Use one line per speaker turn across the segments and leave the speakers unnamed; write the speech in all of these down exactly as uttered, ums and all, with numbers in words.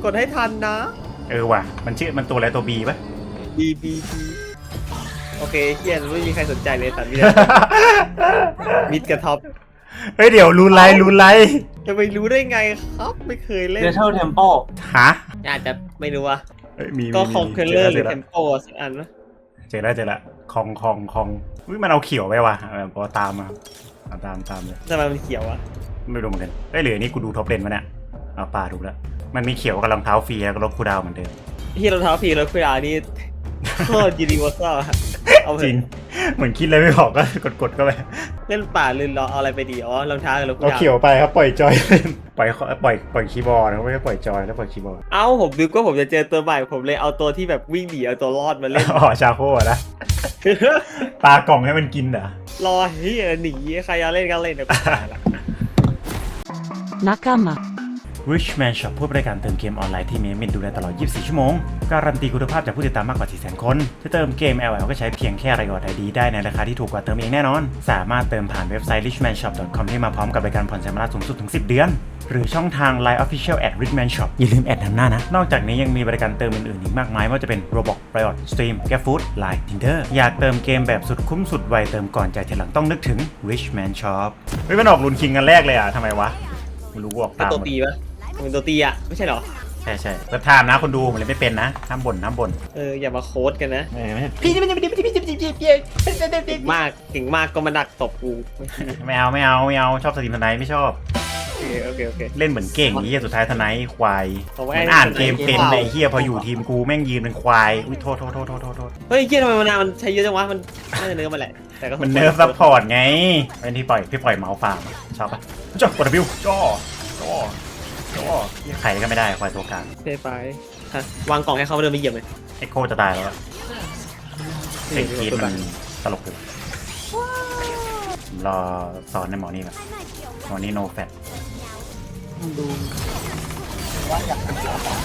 กดให้ทันนะ
เออว่ะมันชื่อมันตัวอะไรตัวบีป่ะ
บีบีบีโอเคเฮียไม่มีใครสนใจเลยสัตว์มิดมิดกับท็อป
เฮ้ยเดี๋ยวรูนไลรูนไล
จะไปรู้ได้ไงครับไม่เคยเล่น
เดเทลเทมโป
ฮะ
อาจจะไม่รู้อะ
มี
ก็คอมเพลเลอร์หรือเทมโปสักอันนะ
เจอแล้วเจอแล้วคองคองคองอุ้ยมันเอาเขียวไปว่ะเพราะตามมาตามตามเลย
ทำไมมันเขียวอะ
ไม่รู้เหมือนกันเอ้ยหรือนี่กูดูท็อปเลนมาเนี่ยเอาป่าถูกแล้วมันมีเขียวกับรองเท้าฟรีแล้วก็ลบคูดาวเหมือนเดิม
ที่รองเท้าฟรีแล้วคุยอานี่โคตรยูนิเวอร์แซลเอา
จริงเหมือนคิดเลยไม่บอกก็กดกดเข้าไป
เล่นป่าลืนรอเอาอะไรไปดีอ๋อรองเท้ากับรองเท้า
เอาเขียวไปครับปล่อยจอยปล่อยปล่อยปล่อยคีย์บอร์ดไม่ใช่ปล่อยจอยแล้วปล่อยคีย์บอร์ด
เอ้าผมดูก็ผมจะเจอตัวใหม่ผมเลยเอาตัวที่แบบวิ่งหนีเอาตัวรอดมาเล่น
อ๋อชาโคนะ ปลากล่องให้มันกินเหรอ
รอเฮียหนีใครจะเล่นก็เล่นเดี๋ยวกูตายละ
นักกมา
Richman Shop ผู้บริการเติมเกมออนไลน์ที่มีมินดูแลตลอดยี่สิบสี่ชั่วโมงการันตีคุณภาพจากผู้ติดตามมากกว่า สี่แสน คนจะเติมเกม แอล แอล ก็ใช้เพียงแค่รายอดไอดีได้ในราคาที่ถูกกว่าเติมเองแน่นอนสามารถเติมผ่านเว็บไซต์ richman shop dot com ที่มาพร้อมกับบริการผ่อนชำระสูงสุดถึงสิบเดือนหรือช่องทาง ไลน์ Official at richman shop อย่าลืมแอดนำหน้านะนอกจากนี้ยังมีบริการเติมอื่นๆอีกมากมายไม่ว่าจะเป็น Roblox Riot Stream GrabFood ไลน์ Tinder อยากเติมเกมแบบสุดคุ้มสุดไวเติมก่อนจ่ายทีหลังต้องนึกถึง Richman Shop เฮ้ยมันออกรุนคิงกันแรกเลยอ่ะทำไมวะไม่รู้ออกตาม
ตัวตีปะมันตัวตีอ่ะไม่ใช่หรอ
ใช่ใช่ก็ทามนะคนดูมันเลยไม่เป็นนะห้ามบ่นห้ามบ่น
เอออย่ามาโค้ดกันนะ
พี่พี่พี่พี่พี่พี่พี่พี่พี่
เก่งมากเก่งมากก็มาดักตบกู
ไม่เอาไม่เอาไม่เอาชอบสตรีมทนายไม่ชอบ
โอเคโอเคโอเค
เล่นเหมือนเก่งนี่สุดท้ายทนายควายมันอ่านเกมเป็นไอ้เหี้ยพออยู่ทีมกูแม่งยืนเป็นควายอุ้ยโทษโทษโทษโทษโทษ
เฮ้ยเหี้ยทำไมมันมันใช้เยอะจังวะมันน่าจะเนื้อมาแหละแต่ก็
มันเนิร์ฟซัพพอร์ตไงเป็นที่ปล่อยพี่ปล่อยเมาส์ฟาร์มชอบปะจ่อกดบิวจ่อจ่อจ่อใครก็ไม่ได้ควายตัวกลาง
เซฟไปฮะวางกล่องให้เขาเดินไปเหยียบเลย
ไอโคจะตายแล้วเสียงกรีดมันตลกเลยรอสอนในหมอนี่ก่อนหมอนี่โนแฟต
ดูว่าอยากเป็นตัวต่อ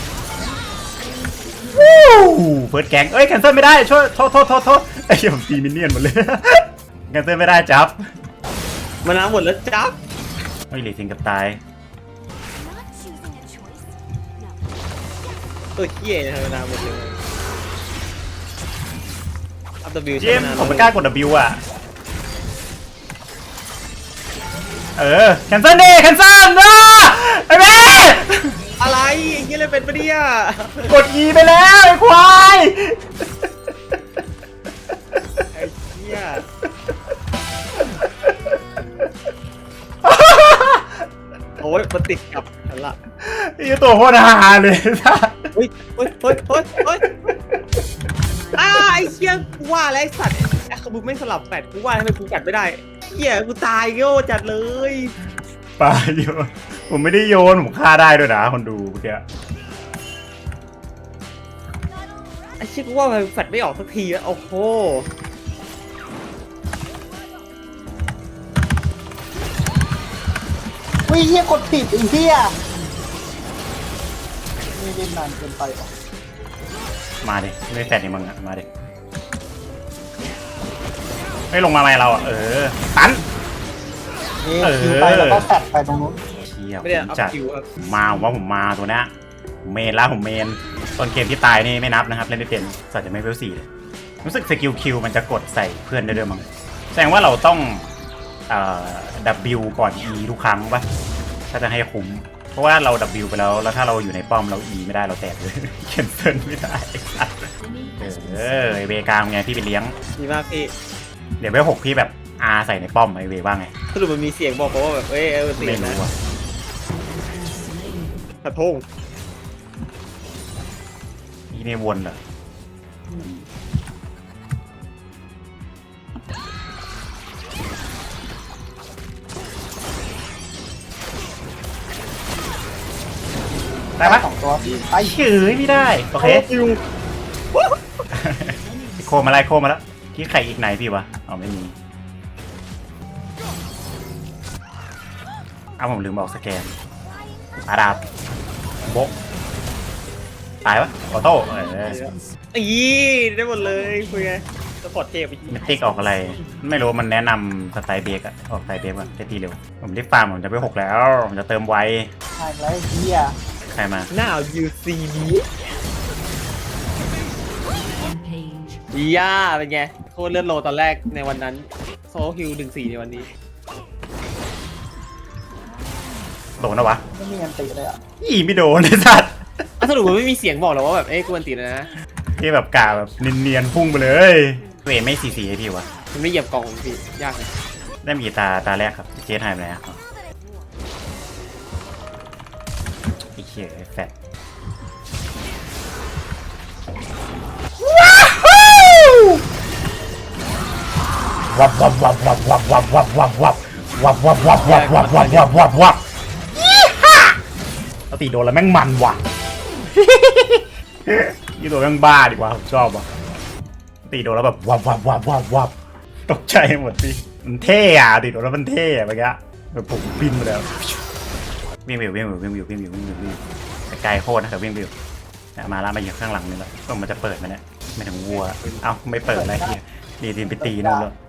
เฟิร์สแกงเอ้ยแคนเซิลไม่ได้ช่วยโทษโทษโทษโทษไอ้เหี้ยผมตีมินเนี่ยนหมดเลยแคนเซิลไม่ได้จับ
มาน้ำหมดแล้วจับ
ไม่หลีทิ้งกับตาย
ตัวเหี้ยนะมาน้ำหมดเลยอัพ W
เจมผมไม่กล้ากด W อ่ะเออแคนเซิลดิแคนเซิลนะไอ้แม่
อะไรอย่างเงี้ยเลยเป็นปะเนี่ย
กด E ไปแล้วไอ้ควาย
ไอ้เหี้ยโอ้ยมันติดกับฉันละ
ไอ้ตัวโคตรฮาเลย
เฮ้ยเฮ้ยเฮ้ยเฮ้ยเฮ้ยอ้าไอ้เหี้ยกูว่าแล้วไอ้สัตว์ไอ้ขบุไม่สลับแปดกูว่าทำไมกูกัดไม่ได้เหี้ยกูตายโง่จัดเลย
ปาโยนผมไม่ได้โยนผมฆ่าได้ด้วยนะคนดูเมื่อกี้
ไอ้ชิคว่ามันแฟดไม่ออกสักทีแล้วโอ้โห
วิ่งเฮียกดผิดไอ้เฮียไม่เล่นนานเกินไปหรอ
มาดิไม่แฟดนี่มึงอะมาดิไม่ลงมาไหมเราอะเออตัน
เออไปแล้วก็แฟดไปตรงนู้น
เชี่ยผมจัดมาผมว่าผมมาตัวนี้ผมเมนแล้วผมเมนตอนเกมที่ตายนี่ไม่นับนะครับเล่นไม่เป็นสัตว์จะไม่เวลสี่เลยรู้สึกสกิลคิวมันจะกดใส่เพื่อนได้ด้วยมั้งแสดงว่าเราต้องเอ่อ W ก่อน E ทุกครั้งป่ะถ้าจะให้คุ้มเพราะว่าเรา W ไปแล้วแล้วถ้าเราอยู่ในป้อมเรา E ไม่ได้เราแตกเลยเคนเซิลไม่ได้เออไอเวกลางไงพี่ไปเลี้ยง
ดีมากพี่
เดี๋ยวเวลหกพี่แบบอาใส่ในป้อมไอเวว่าไง
สรุปมันมีเสียงบอกว่าแบบเอ้ยเออเสียงนะกระทง
นี่ในวนเหรอได้ปะ
สองตัว
ไอ้เฉยไม่ได้โอเคโคมาไล่โคมาแล้วที่ไข่อีกไหนพี่วะอ๋อไม่มีอ้าวผมลืมบอกสแกนอาดาบโบกตายวะออโต้เออ
อีได้หมดเลยคุยไงสปอร์ตเทปอีก
มิติกออกอะไรไม่รู้มันแนะนำสไตล์เบรกอะออกสไตล์เบรกอะจะตีเร็วผมรีบฟาร์มผมจะไปหกแล้วผมจะเติมไว
ใช่แล้วเฮีย
ใครมา
Now you see me ดีย่าเป็นไงโคตรเลือดโลตอนแรกในวันนั้นโซฮิลหนึ่งสี่ในวันนี้
โดนนะวะ
ไม่มีอันติเลยอ่ะ
อีไม่โดนไอ้สัตว์
อ่ะสรุปมันไม่มีเสียงบอกหรอว่าแบบเอ้ยกูอันติดแล้วนะ
ที่แบบกาแบบเนียนๆพุ่งไปเลยเวไม่ซีซีไอพี่วะ
มันไม่เหยียบกล่องของพี่ยากเลย
ได้มีตาตาแรกครับเจสหายไปไหนอะไอ้เหี้ยแฟดวับวับวับวับวับวับวับวับวับวับวับวับวับวับวับวับวับวับยี่ห้าเอาตีโดนแล้วแม่งมันว่ะยี่ตัวแม่งบ้าดีกว่าผมชอบว่ะตีโดนแล้วแบบวับวับวับวับวับตกใจหมดดิมันเท่อะตีโดนแล้วมันเท่อะเมื่อกี้แบบผมบินมาแล้ววิ่งวิววิ่งวิววิ่งวิววิ่งวิววิ่งวิววิ่งแต่ไกลโคตรนะแต่วิ่งวิวมาแล้วมาอยู่ข้างหลังนี่แล้วก็มันจะเปิดมันเนี่ยไม่ถึงวัวเอ้าไม่เปิดอะไรทีดีดินไปตีนู่นแล้ว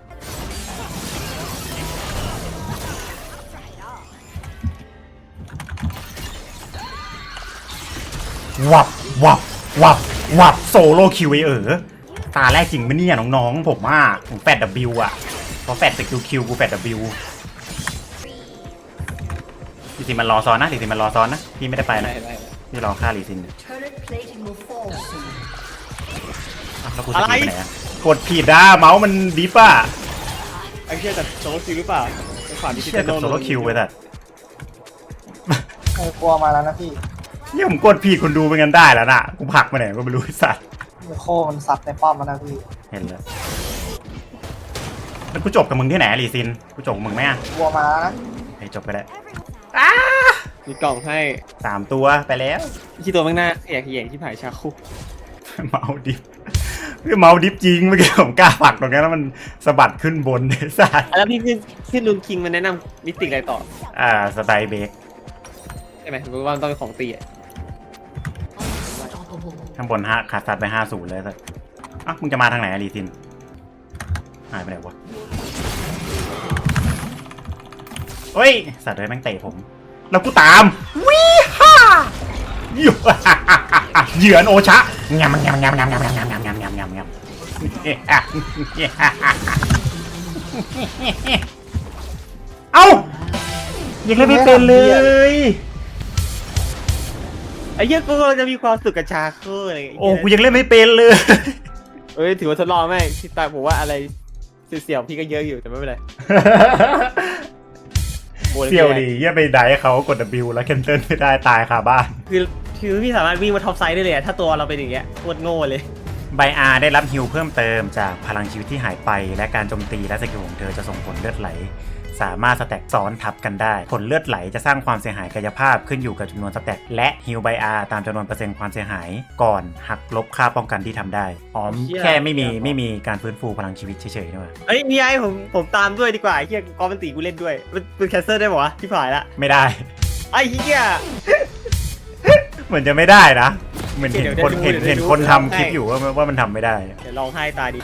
วับวับวับวับโซโลคิวไอเออตาแรกจริงไหมเนี่ยน้องๆผมว่าผมแฟดดับบิวอะพอแฟดสกิลคิวกูแฟดดับบิวลีซินมันรอซ้อนนะลีซินมันรอซ้อนนะพี่ไม่ได้ไปนะ
ได้ได้
พี่รอฆ่าลีซิน
Turret plating will fall soon.
อ้าวแล้วกูสกิลไปไหนอะกดผิดอะเมาส์มันดิฟอะ
ไอ้เชี่ยแต่โซลคิวหรือเปล่าไอ้ขวานที่
เชี่ยกับโซโลคิวไปแต่
เออกลัวมาแล้วนะพี่
เนี่ยผมกดผิดคนดูเป็นกันได้แล้วน่ะกูผลักมาไหนก็ไม่รู้ไอ้สัตว์
โคมันซัดในป้อมมาแล้วพี่
เห็นแล้วแล้วกูจบกับมึงที่ไหนอะลีซินกูจบกับมึงไหมอะ
กลัวมาแล้วนะ
ให้จบไปได้
มีกล่องให้
สามตัวไปแล้ว
ที่ตัวข้างหน้าแขยงแขยงที่ผายชาคุ
เมาดิฟคือเมาดิฟจริงเมื่อกี้ผมกล้าผลักตรงนั้นแล้วมันสะบัดขึ้นบนไอ้สัตว์
แล้วพี่ขึ้นขึ้นลุนคิงมันแนะนำมิติอะไรต่อ
อ่าสไตล์เบรก
ใช่ไหมผมว่ามันต้องเป็นของตีอ่ะ
Unstoppable.
ข้างบนห้าขาดสัตว์ไปห้าศูนย์เลยสัตว์อ่ะมึงจะมาทางไหนอะลีซินหายไปไหนวะเฮ้ยสัตว์เลยแม่งเตะผมแล้วกูตามวิฮ่าอยู่ เหยื่อโอชะงามงามงามงามงามงามงามงามงามงามงามงามเอ้ายังเล่นไม่เป็นเลย
ไอ้เหี้ยกูกำลังจะมีความสุขกับชาคุอะไรอย่างเงี้ย
โอ้กูยังเล่นไม่เป็นเลย
เอ้ยถือว่าทดลองไหมที่ตายผมว่าอะไรเสี่ยวๆพี่ก็เยอะอยู่แต่ไม่เป็นไรโบน
เสี่ยวดีเยี่ยไปได้เขากด W แล้วแคนเซิลไม่ได้ตายคาบ้าน
คือคือพี่สามารถวิ่งมาท็อปไซด์ได้เลยอะถ้าตัวเราเป็นอย่างเงี้ยโคตรโง่เลย
ไบอาร์ได้รับฮิลเพิ่มเติมจากพลังชีวิตที่หายไปและการโจมตีและสกิลของเธอจะส่งผลเลือดไหลสามารถสแต็กซ้อนทับกันได้ผลเลือดไหลจะสร้างความเสียหายกายภาพขึ้นอยู่กับจำนวนสแต็กและฮิลไบอาร์ตามจำนวนเปอร์เซ็นต์ความเสียหายก่อนหักลบค่าป้องกันที่ทำได้อ๋อแค่ไม่มีไม่มีการฟื้นฟูพลังชีวิตเฉยๆนะวะ
เอ้ยพี่ไอ้ผมผมตามด้วยดีกว่าไอ้เหี้ยกอมันตีกูเล่นด้วยมันมันแคนเซิลได้ปะวะที่ผ่านละ
ไม่ได้
ไอ้เหี้ย
เหมือนจะไม่ได้นะเหมือนเห็น
เดี๋ยว
คน
เดี๋ยว
เห็น
เดี๋ยว
เห็น
ดู
คน
เดี๋ยว
ทำ
ให้
คลิปอยู่ว่าว่ามันทำไม่ได้
เดี๋ยวลองให้ตาดี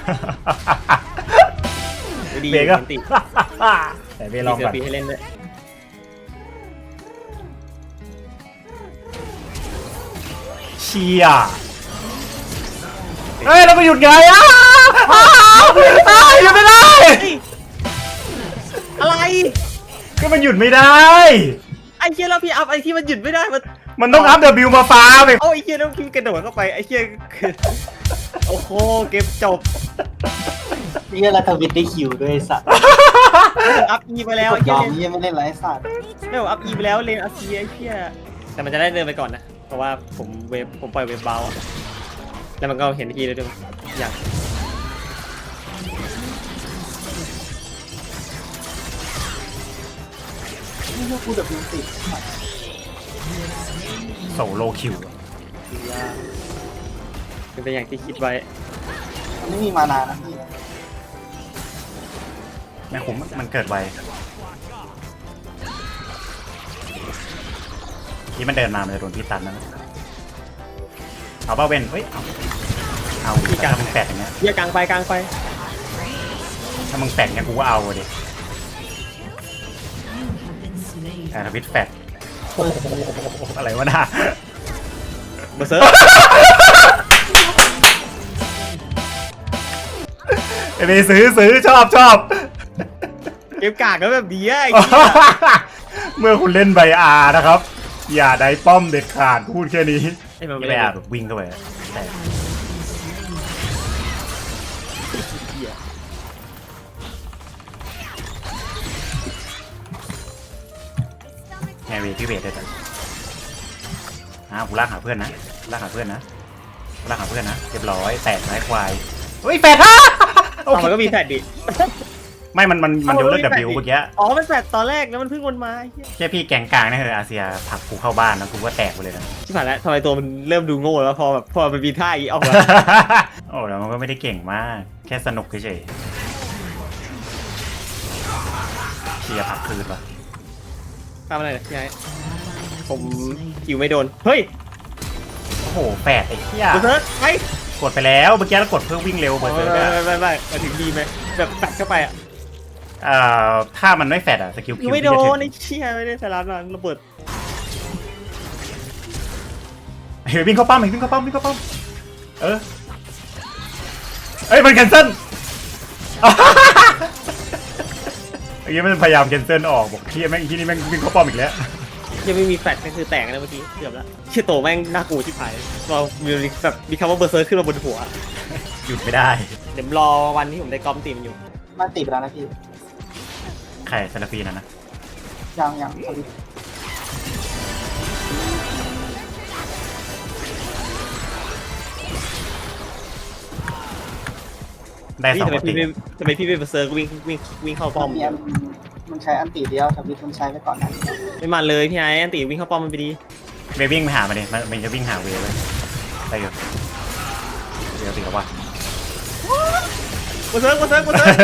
ดี
เบรกก็
ตี
แต่เบรกลอง
เสื
ก่
อ
อน
ปีให้เล่นด้วย
เชียเฮ้ยเราไปหยุดไงอ้าวอ้าวอ้าวหยุดไม่ได้
อะไร
ก็มันหยุดไม่ได้
ไอ้เหี้ยแล้วพี่อัพไอ้ที่มันหยุดไม่ได้มัน
มันต้องอัพ W มาฟ้าไป
เอาไอ้เหี้ยแล้วพี่กระโดดเข้าไปไอ้เหี้ยคือโอ้โหเกมจบ
นี่ก็รัฐวิทย์ได้คิวด้วยไอ้สัตว์
อัพอีไปแล้ว
ก
ไอ้
ดย
เหี้
อย มนี่ยังไม่เล่นไรไอ้สัตว์
ไม่บอกอัพอีไปแล้วเลนอาเซียไอ้เหี้ยแต่มันจะได้เดินไปก่อนนะเพราะว่าผมเวฟผมปล่อยเวฟเบาแล้วมันก็เห็นทีเลยด้วยอยาก
นี่ก็กูดับบิวติด
โซโลคิว
เป็นไปอย่างที่คิดไว้
มันไม่มีมานานะพี่
แม่คุ้มมันเกิดไวที่มันเดินมามันจะโดนพี่ตันนะเอาเป้าเว้นเฮ้ยเอาเอาดิถ้ามึงแปดอย่างเงี้ย
เหี้ยกลางไปกลางไป
ถ้ามึงแปดเงี้ยกูก็เอาดิ
Been slain.
แต่ทวิตแปดโอ้โหอะไรวะน่ะ
เบอร์เซอร์
ไอ้เบซื้อซื้อชอบชอบ
เกมกากก็แบบดีอะไอ้เหี้ย
เมื่อคุณเล่นไบอาร์นะครับ อย่าได้ป้อมเด็ดขาดพูดแค่นี้
ไอ้มัน
ไม่
ไม่
ได้
ได้
อาแบบวิ่งเข้าไปแต่ไงเวพี่เวทได้แต่อ้าวกูลากหาเพื่อนนะลากหาเพื่อนนะลากหาเพื่อนนะเรียบร้อยแตกไม้ควายเฮ้ยแฟดฮะ
เอามันก็มีแฟดดิ
ไม่มันมันมันยกเลิกดับบิวเมื่อกี้
อ๋อมันแฟดตอนแรกแล้วมันเพิ่งวนมาไอ้เหี้ย
แค่พี่แกงกลางนี่คืออาเซียผลักกูเข้าบ้านแล้วกูก็แตกไปเลยนะ
ชิบหายแล้วทำไมตัวมันเริ่มดูโง่แล้วพอแบบพอมันมีท่าอีออกมา
โอ้แล้วมันก็ไม่ได้เก่งมาก แค่สนุกเฉยๆเชียร์ผักคืนวะ
ทำอะไรเนี่ยยายผมคิวไม่โดนเฮ้ย
โอ้โหแปดไอ้เหี้ย
เบอร์เซอร์ไป
กดไปแล้วเมื่อกี้แล้วกดเพื่อวิ่งเร็วเบอร์เซอร์ก
ไม่ไม่ไม่มาถึงดีไหมแบบแฟดเข้าไปอ่ะ
เอ่อถ้ามันไม่แฟดอะสกิล
คิ
คิ
ว
ว
ไม่โด
พี่จะ
น
ถึ
ไอ้เชี่ยไม่ได้สาระมันระเบิด
งเฮ้ยวิ่งเข้าป้อมวิ่งเข้าป้อมวิ่งเข้าป้อมเออเอ้ยมันแคนเซิล เมื่อกี้มันพยายามแคนเซิลออกบอกที่แม่งที่นี่แม่งวิ่งเข้าป้อมอีกแล้ว
ยังไม่มีแฟดก็คือแตกแล้วเมื่อกี้เกือบแล้วเชี่ยโตแม่งน่ากลัวชิบหายเรามีแบบมีคำว่าเบอร์เซอร์ขึ้นมาบนหัว
หยุดไม่ได้
เดี๋ยวรอวันที่ผมได้กอมตีมอยู่
มาติดไปแล้วนะพี่
ไข่ซาลาฟีนะนะ
ยังยังสวิตช์
ได้ส
พี่
อง
ทำไม
ตี
พี่ไม่ทำไมพี่ไม่เบอร์เซอร์ก็วิ่งวิ่งวิ่งเข้าป้อม
มีอันมันใช้อันติเดียวสวิตช์มันใช้ไปก่อนนะ
ไม่มันเลยพี่ไอ้อันตีวิ่งเข้าป้อมมันไปดี
เววิ่งไปหามันดิมันมันจะวิ่งหาเวเลยได้อยู่เดี๋ยวสิครับว่า
เบอร์เซอร์เบอร์เซอร์เบอร์เซอร์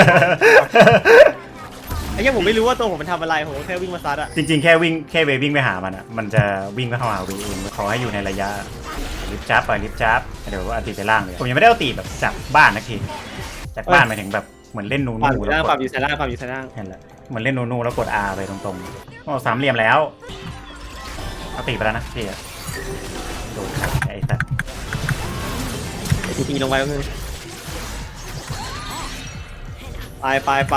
ไอ้เหี้ยผมไม่รู้ว่าตัวผมมันทำอะไรผมแค่วิ่งมาซัดอะ
จริงๆ แค่วิ่งแค่เววิ่งไปหามันอ่ะ มันจะวิ่งไปเข้าหาเวเองขอให้อยู่ในระยะลิฟจับไปลิฟจับเดี๋ยวว่าอันตีไปล่างเลยผมยังไม่ได้เอาตีแบบจากบ้านนะทีจากบ้านหมายถึงแบบเหมือนเล่นนู
ความ
นู
อยู่
แล้
ล่าง
ว
ค
ก
วาม
ด
อยู่ซ้ายล่างความอยู่ซ้ายล่าง
เห็นแล้วเหมือนเล่นนูนูแล้วกด R ไปตรงๆโอ้สามเหลี่ยมแล้วเอาตีไปแล้วนะพี่อะโดนขัดไอ้สัตว์
ไอ้ทีทีลงไปก็คือไปไปไป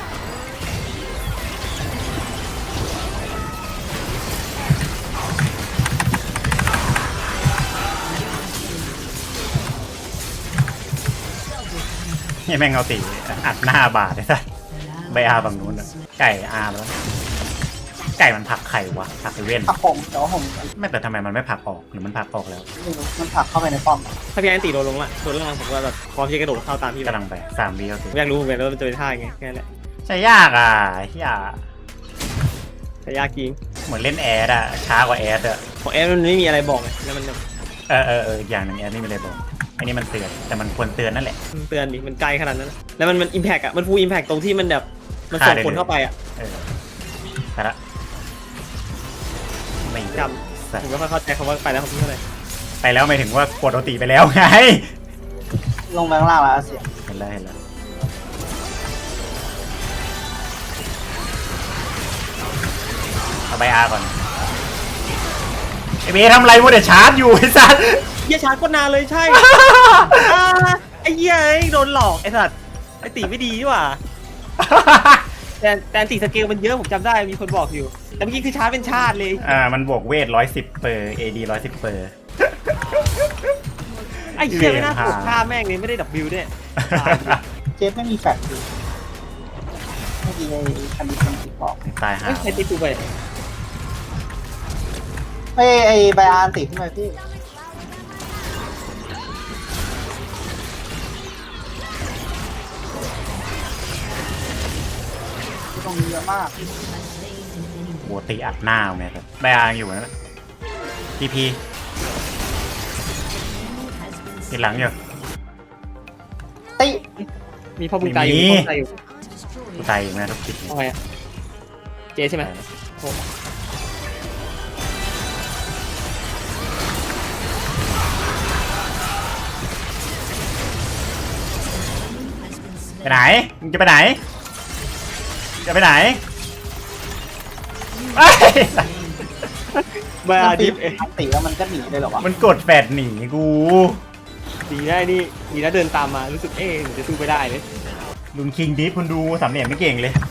นี่แม่งเอาตีอัดหน้าบาดไอ้สัตว์ใบอาฝั่งนู้นอะไก่อาแล้วไก่มันผลักไข่วะผลักไอเว่น
ผักผมแต่ว่าผม
ไม่แต่ทำไมมันไม่ผลักออกหรือมันผลักออกแล้ว
ไม่รู้มันผลักเข้าไปในป้อม
ถ้าพี่ไอ้ตีโดนลงละโดนล่างผมว่าแบบพร้อมที่จะกระโดดเข้าตามพี่เลย
กำลังไปสามวิเอาตี
ผมอยากรู้เหมือนกันว่ามันจะเป็นท่ายังไงแค่นั้นแหละ
ใช่ยากอ่ะเฮีย
แต่ยากจริง
เหมือนเล่นแอดอะช้ากว่าแอดอะ
ของแอปมันไม่มีอะไรบอกไงแล้วมันแบบ
เออเออเอออีกอย่างหนึ่งแอดไม่มีอะไรบอกอันนี้มันเตือนแต่มันควรเตือนนั่นแหละ
มันเตือนดิมันไกลขนาดนั้นนะแล้วมันมันอิมแพกอะมันฟูลอิมแพกตรงที่มันแบบมันส่งคนเข้าไปอะ
เออแต่ละไม่
จ
สัต
ผม
ว์
ไม่ค่อยเข้าใจคำว่าไปแล้วของพี่เท่าไหร่
ไปแล้วหมายถึงว่ากดเอาตีไปแล้วไง
ลงไปข้างล่างแล้วเสีย
เห็นแล้วเห็นแล้วเอาใบอาก่อนไอเบทำอะไรมัวแต่ชาร์จอยู่ไอ้สัส
เหี้ยชาร์จก็นานเลยใช่ อ่าไอ้เหี้ยไอ้โดนหลอกไอ้สัตว์ไอ้ตีไม่ดีดีกว่าแต่แต่ตีสเกลมันเยอะผมจำได้มีคนบอกอยู่แต่เมื่อกี้คือชาร์จเป็นชาติเลย
อ่ามันบวกเวทร้อยสิบเปอร์เอดีร้อยสิบเปอร์
ไอ้เหี้ยไม่น่ากดฆ่าแม่งเลยไม่ได้ดับบิวด้วย
เจฟไม่มีแฟลชอยู่เมื่อกี้ไอ้คันดิชันติดบอก
ตายห่า
เฮ้ยใครตีกูไป
ไอ้ไอ้ไบอาร์ติดขึ้นมาพี่ตรงนี้เยอะมาก
โหตีอัดหน้าเอาเนี่ยครับใบอาอยู่นะทีพีติดหลังอยู่
ติ
มีพ่อบุญตายอยู่มีพ่อบุญตายอยู่
กูตายอีกนะทุกที
ทำไมอะเจใช่ไหมโอ้
ไปไหนมึงจะไปไหนจะไปไหนเอ้ย
มา
มัน
ดิ
ตี
ฟเอง
มันตีแล้วมันก็หนีเลยเหรอวะ
มันกดแฟดหนีกู
ดีได้นี่ดีนะเดินตามมารู้สึกเอ๊ะหนูจะสู้ไม่ได้เลย
ลุนคิงดิฟคุณดูสามเหลี่ยมไม่เก่งเลย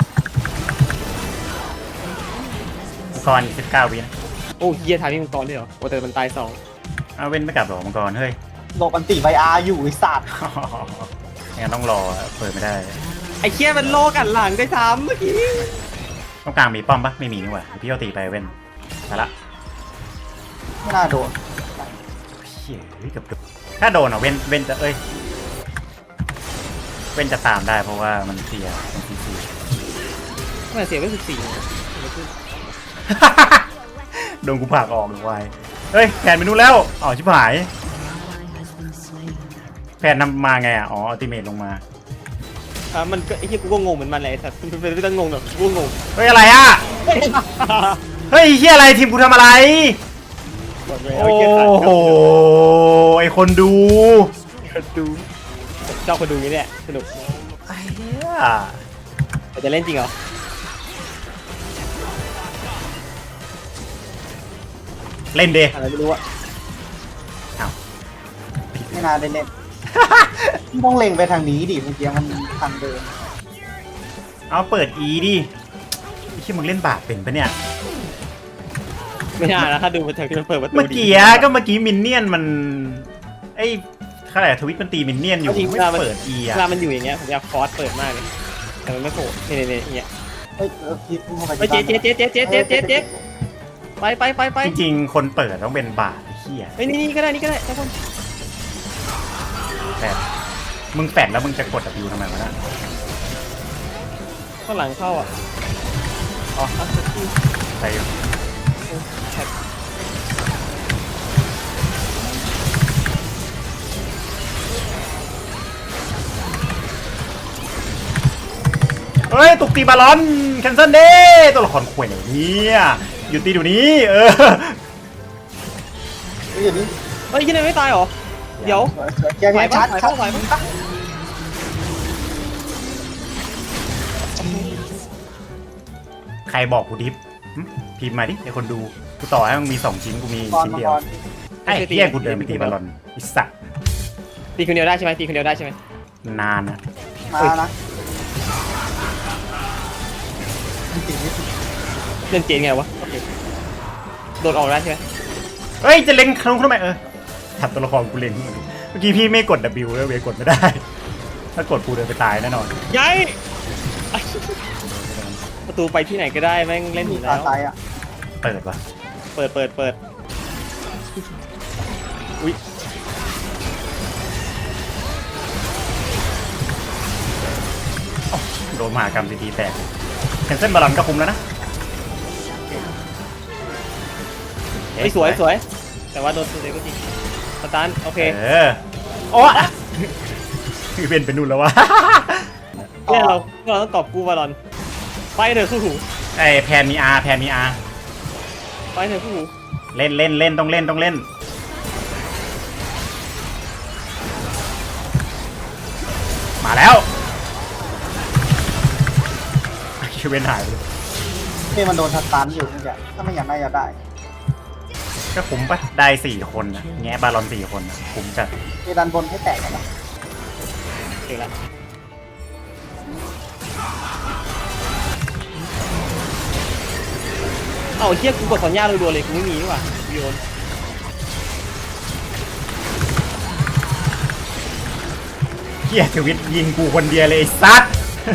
มังกรอีกสิบเก้าวินะ
โอ้เฮียทายพี่มังกรด้วยเหรอโอ้แต่มันตายสอง
เอาเว้นไม่กลับหรอมังกรเฮ้ย
โลบันติไวอาร์อยู่ไอ้สัตว์
งั้นต้องรอเปิดไม่ได้
ไอ้เคียมันโลกันหลังได้ซ้ำเมื่อกี้
ต้องกลางมีป้อมปะไม่มีนี่หว่าพี่เอาตีไปเว้นไปละ
ไม่น่าโดน
เฮ้ยเกับโดนถ้าโดนอ่ะเว้นเว้นจะเอ้ยเว้นจะตามได้เพราะว่ามันเสียมันซีซี
มันเสียไปสิบสี่
โดนกูผลักออกหรือวายเฮ้ยแผนไปนู่นแล้วอ๋อชิบหายแผนนำมาไงอ่ะอ๋ออัลติเมทลงมา
อ่ะมันก็ไอ้เฮียกูก็งงเหมือนมันเลยแต่มันเป็นไม่ต้องงงหรอกกูก็งง
เฮ้ยอะไรอ่ะเฮ้ยเฮียอะไรทีมกูทำอะไร
หมดเลย
โอ้
เอาเฮียขาด
โหไอคนดู
คนดูชอบคนดูนี่แหละสนุก
ไอ้เหี้ย
แต่จะเล่นจริงเหรอ
เล่นเด
อะไรไม่รู้อะ
ไม่น่าได้เล่น ต้องเล็งไปทางนี้ดิเมื่อกี้มันทางเดิน
เอาเปิด E ดิไอ้ที่มึงเล่นบาปเป็นปะเนี่ย
ไม่น่านะถ้าดูมันเถอะที่มันเปิดประตู
เมื่อกี้ก็เมื่อกี้มินเนี่ยนมันไอ้ขนาดทวิตมันตีมินเนี่ยนอยู่ไม่เปิด E
เว
อ่ะ
ลามันอยู่อย่างเงี้ยผมอยากฟอสเปิดมากเลยแต่มันไม่โผล่นี่นี่นี่อย่างเงี้ย
เฮ้ยเออคิดเข้าไป
ไปเจ๊เจ๊เจ๊เจ๊เจ๊เจ๊เจ๊เจ๊ไปไปไปไป
จริงๆคนเปิดต้องเป็นบาปไอ้เหี้ย
เฮ้ยนี่นี่ก็ได้นี่ก็ได้ทุกคน
แฟดมึงแฟดแล้วมึงจะกด W ทำไมวะน่ะ
ข้างหลังเข้าอ่ะอ๋ออ่ะ
ไปอยู่
แท็บ
เฮ้ยตุกตีบาลอนแคนเซิลเด้ตัวละครข่วยไหนเนี่ยหยุดตีเดี๋ยวนี้เออ
เฮ้ยอย่างนี้
เฮ้ยยี่นี่ไม่ตายเหรอเดี๋ยว
สวยสวยแกแกชัดชัด
ไหวปะไหวปะ
ใครบอกกูดิฟหึพิมพ์มาดิไอคนดูกูต่อให้มึงมีสองชิ้นกูมี
บอล
ชิ้น
มัง
เดีย
ก
ว
ร
ไอ้เหี้ยกูเดินไปตีบาลอนไอิสัก
ตีคนเดียวได้ใช่ไหมตีคนเดียวได้ใช่ไหม
นานอะ
มานะมันติดไม่ติด
เล่นเจนไงวะโอเคโดดออกได้ใช่ไหม
เฮ้ยจะเล็งคลุ้งทำไมเออถัดตัวละครกูเล็งเมื่อกี้พี่ไม่กด W แล้วเวยกดไม่ได้ ถ้ากดกูเดินไปตายแน่นอน
ยัยประตูไปที่ไหนก็ได้แม่งเล่นอ
มี
ยู่
ตา
แล้ว
ซ้ายอ่ะ
เปิดปะ
เปิดเปิดเปิดอุ้ย
โดนมหากรรมตีๆแตกแคนเซิลบาลอนก็คุ้มแล้วนะ
เฮ้ยสวยสวยแต่ว่าโดนตัวเดียวก็จริงสตาร์ทโอเค
เออโอ้คือเป็นเป็นนู่นแล้ววะ
เนี่ยเราเราต้องกอบกู้บอลลอนไปเถอะคู่หู
ไอแพนมี R แพนมี R
ไปเถอะคู่หู
เล่นเล่นเล่นต้องเล่นต้องเล่น มาแล้วไอ้เชเวนหายไปเลย
นี่มันโดนทัดตันอยู่เมื่อกี้ถ้าไม่อยากได้อยากได้
ก็คุ้มปะได้สี่คนนะแง่บาลอนสี่คนนะคุ้มจัด
เอดันบนให้แตกกันนะ
เก่งละเอ้าเฮียกูกดสัญญารัวๆเลยกูไม่มีนี่หว่าโยน
เฮียทวิตยิงกูคนเดียวเลยไอ้ซัด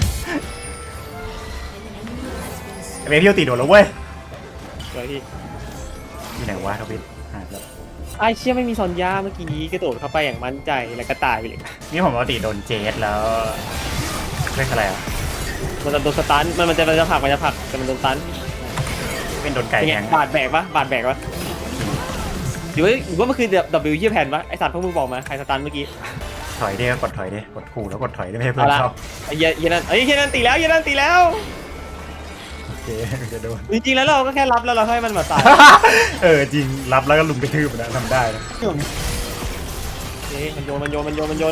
ไอ้เบพี่ตีโดดแล้วเว้ย
สวยพี่
อยู่ไหนวะทวิตหายแล้ว
ไอ้เชี่ยไม่มีซอนยาเมื่อกี้กระโดดเข้าไปอย่างมั่นใจแล้วก็ตายไปเลย
นี่ผมปกติโดนเจสแล้วเรียกอะไรอ่ะ
มันจะโดนสตันมันมันจะมันจะผลักมันจะผลักแต่มันโดนสตัน
เป็นโดนไก่
เป็นไง
แทง
บาดแบกปะบาดแบกปะหรือว่าหรือว่ามันคือ W ยี่แผ่นปะไอสัตว์พวกมึงบอกมาใครสตันเมื่อกี้
ถอยดิกดถอยดิกดขู่แล้วกดถอยได้ไม่ให้เพื่อน
เอาละ
เข้า
ไอ้เหี้ยเหี้ยนั่นไอ้เหี้ยนั่นตีแล้วเหี้ยนั่นตีแล้ว
โอเคจะโดน
จริงๆแล้วเราก็แค่รับแล้วเราให้มันมาตาย
เออจริงรับแล้วก็ลุมกระทืบนะทำได้นะ
อยู่นี่
เอ๊ะมันโยนมันโยนมันโยนมันโยน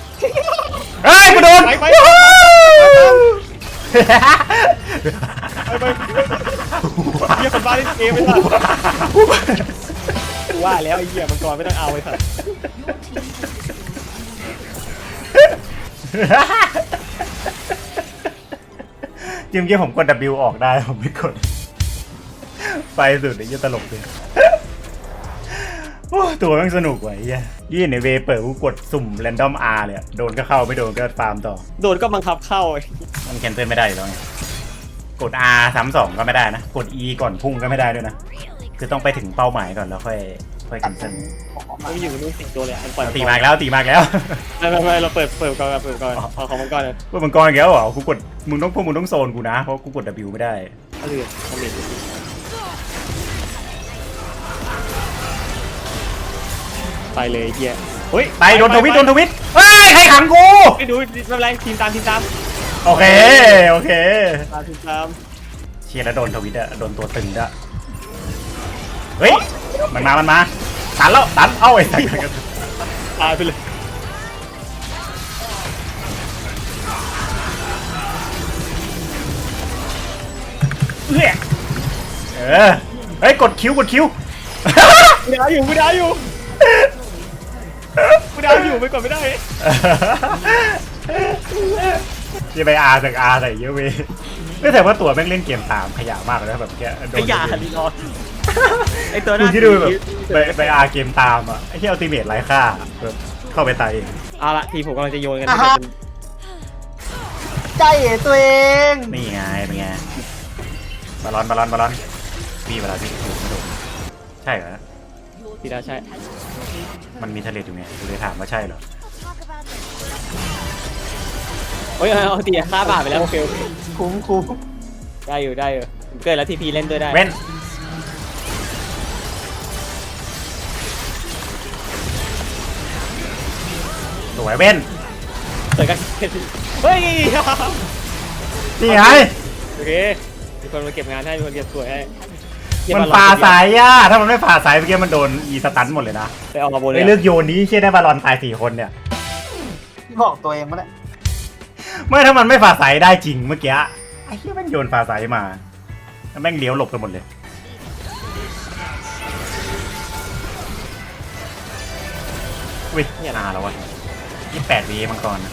เฮ้ยกูโดน
ไปไป
วู้ฮู้
ไปเหี้ยคนบ้าเล่นเกมไม่ทันกูว่าแล้วไอ้เหี้ยมังกรไม่ต้องเอาไอ้สัตว์
จริงๆผมกด W ออกได้ผมไม่กดไปสุดไอ้ยี่ตลกเลยโอ้ตัวแม่งสนุกว่ะไอ้เหี้ยยี่ในเวเปิดกูกดสุ่มแรนดอม R เลยอะโดนก็เข้าไม่โดนก็ฟาร์มต่อ
โดนก็บังคับเข้า
มันแคนเซิลไม่ได้อยู่แล้วไงกด R ซ้ำสองก็ไม่ได้นะกด E ก่อนพุ่งก็ไม่ได้ด้วยนะคือต้องไปถึงเป้าหมายก่อนแล้วค่อยค่อยแคนเซิล
ไม่อยู่นู่นสิงตัวเลยอันปล่อย
ตีมากแล้วตีมากแล้ว
ไม่ไม่ไม่เราเปิดเปิดก่อนเปิดก่อนเอาของมังกรเลย
พวกมังกรอีกแล้วเหรอกูกดมึงต้องพวกมึงต้องโซนกูนะเพราะกูกด W ไม่ได้
เอาเลยเอาเลยไปเลยเฮียเฮ้ย
ไปโดนทวิตโดนทวิตเฮ้ยใครขังกู
ไม่ดูไม่เป็นไรทีมตามทีมตาม
โอเคโอเค
ตามทีมตาม
เชียร์แล้วโดนทวิตอะโดนตัวตึงด้วยเฮ้ยมันมามันมาตันแล้วตันเอ้าไอ้สัส
ตายไปเลย
เอ้ยเออเฮ้ยกดคิวกดคิว
กูดาวอยู่กูดาวอยู่กูดาวอยู่ไปก่อนไม่ได้
จะไปอาจากอาใส่เยอะเว้ยไม่แต่ว่าตัวแม่งเล่นเกมตามขยะมากเลยนะแบบแกโดน
ไอ้ยาลีรอไอ้ตัว
ดู
นั้น
ที่ดูแบบไปไปอาเกมตามอ่ะไอ้ที่อัลติเมทไร้ค่าแบบเข้าไปตายเอง
เอาละทีผมกำลังจะโยนกัน
ใจตัวเอง
นี่ไงเป็นไงบอลลอนบอลลอนบอลลอนพี่เวลาที่ถูกไม่ถูกใช่เหรอ
ทีน่าใช่
มันมีทะเลอยู่ไงกูเลยถามว่าใช่เหรอ
โอ้ยเอาตีค่าบาทไปแล้วโอเค
คุ้มคุ้ม
ได้อยู่ได้อยู่เกิดแล้วทีพีเล่นด้วยได้
เว้นสวยเว้น
เกิดกันเฮ้ย
นี่ไง
โอเคมีคนมาเก็บงานให้มีคนเก็บสวยให้
มันฝ่าสายอ่ะถ้ามันไม่ฝ่าสายเมื่อกี้มันโดนอีสตันหมดเลยนะ
ไปเอามาบนเล
ไอ้
ย
เลือกโยนนี้เชี่ยได้บอลลอนตายสี่คนเนี่ย
บอกตัวเองมาแล้ว
ไม่ถ้ามันไม่ฝ่าสายได้จริงเมื่อกี้ไอ้เหี้ยแม่งโยนฝ่าสายมาแล้วแม่งเลี้ยวหลบกันหมดเลยอุ้ยเนี่ยนาแล้ววะยี่แปดวีมังกรนะ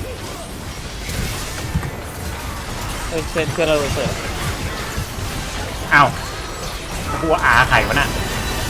เฮ้ยเพื่อนเพื่อนเราเสิร์ฟ
อ้าวกูว่าอาไข่วะน่ะ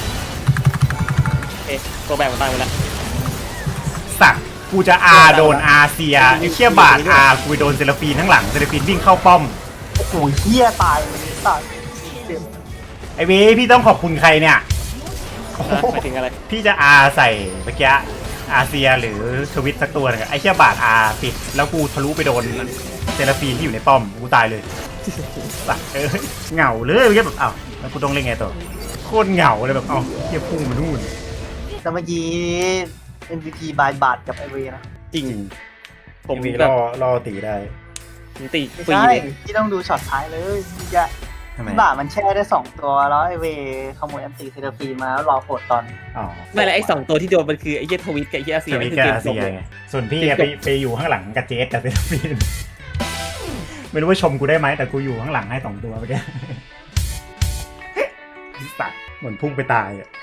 เอ๊ะตัวแบกมันตายไปแล้ว
สักกูจะอาโดนอาเซียไอ้เชี่ยบาดอากูไปโดนเซลฟีนทั้างหลังเซลฟีนวิ่งเข้าป้อม
โอ้โหเฮียตายเลยตายเจ็บ
ไอเวพี่ต้องขอบคุณใครเนี่ย
นะหมายถึงอะไร
พี่จะอาใส่เมื่อกี้อาเซียหรือทวิตสักตัวหนึงอะไอเชี่ยบาดอาปิดแล้วกูทะลุไปโดนเซลฟีนที่อยู่ในป้อมกูตายเลยสักเอ้ยเหงาเลยเมื่อกี้แบบอ้าวแล้วกูต้องเล่นไงต่อโคตรเหงาเลยแบบเอ้าเฮียพุ่งมานู่น
แต่เมื่อกี้ เอ็ม วี พี บายบาทกับไอเวนะ
จริง ผม
มี
แบ
ร
บ
อรอตีได้
ผมตี
ไม่
ฟรี
ใช่
เลย
ที่ต้องดูช็อตท้ายเลยที่จะ
ทำไม
บาทมันแช่ได้สองตัวแล้วไอเวขโมยอันตีเซราฟีมาแล้วรอโผล่ตอน
อ๋อ
ไม่แล้วไอ้สองตัวที่โดนมันคือไอ้เหี้ยทวิตกับไอ้เหี้ยอาเซี
ท
ย
วิ
นี่
ต
คือ
กับ
เกม
อา
จ
เซี
บ
ย
เลย
ไงส่วนพี่อะไปไปอยู่ข้างหลังกับเจสกับเซลฟีนไม่รู้ว่าชมกูได้ไหมแต่กูอยู่ข้างหลังให้สองตัวเมื่อกี้สัตว์เหมือนพุ่งไปตายอ่ะ